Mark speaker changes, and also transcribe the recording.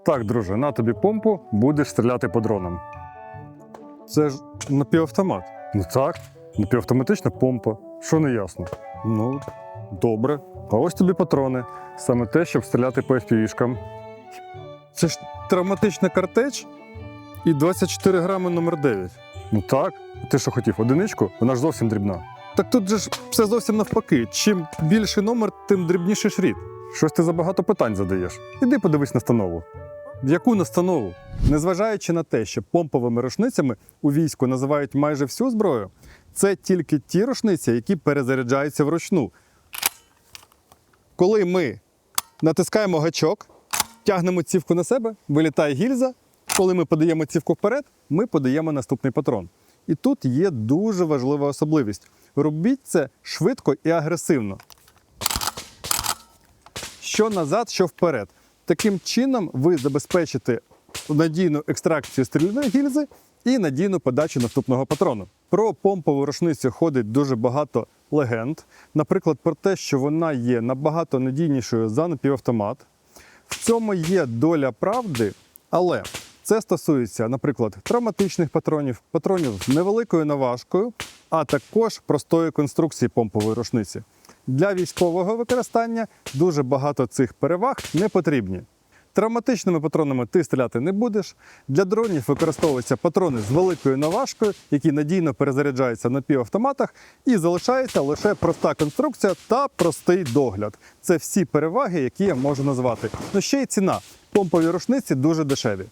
Speaker 1: Так, друже, на тобі помпу, будеш стріляти по дронам. Це ж напівавтомат. Ну так, напівавтоматична помпа. Що не ясно? Ну, добре. А ось тобі патрони. Саме те, щоб стріляти по FPV-шкам. Це ж травматична картеч і 24 грами номер 9. Ну так. Ти що хотів, одиничку? Вона ж зовсім дрібна. Так тут же ж все зовсім навпаки. Чим більший номер, тим дрібніший шрифт. Щось ти забагато питань задаєш. Іди подивись настанову. В яку настанову? Незважаючи на те, що помповими рушницями у війську називають майже всю зброю, це тільки ті рушниці, які перезаряджаються вручну. Коли ми натискаємо гачок, тягнемо цівку на себе, вилітає гільза. Коли ми подаємо цівку вперед, ми подаємо наступний патрон. І тут є дуже важлива особливість. Робіть це швидко і агресивно. Що назад, що вперед. Таким чином ви забезпечите надійну екстракцію стрільної гільзи і надійну подачу наступного патрону. Про помпову рушницю ходить дуже багато легенд. Наприклад, про те, що вона є набагато надійнішою за напівавтомат. В цьому є доля правди, але це стосується, наприклад, травматичних патронів, патронів з невеликою наважкою, а також простої конструкції помпової рушниці. Для військового використання дуже багато цих переваг не потрібні. Травматичними патронами ти стріляти не будеш. Для дронів використовуються патрони з великою наважкою, які надійно перезаряджаються на напівавтоматах, і залишається лише проста конструкція та простий догляд. Це всі переваги, які я можу назвати. Ну ще й ціна. Помпові рушниці дуже дешеві.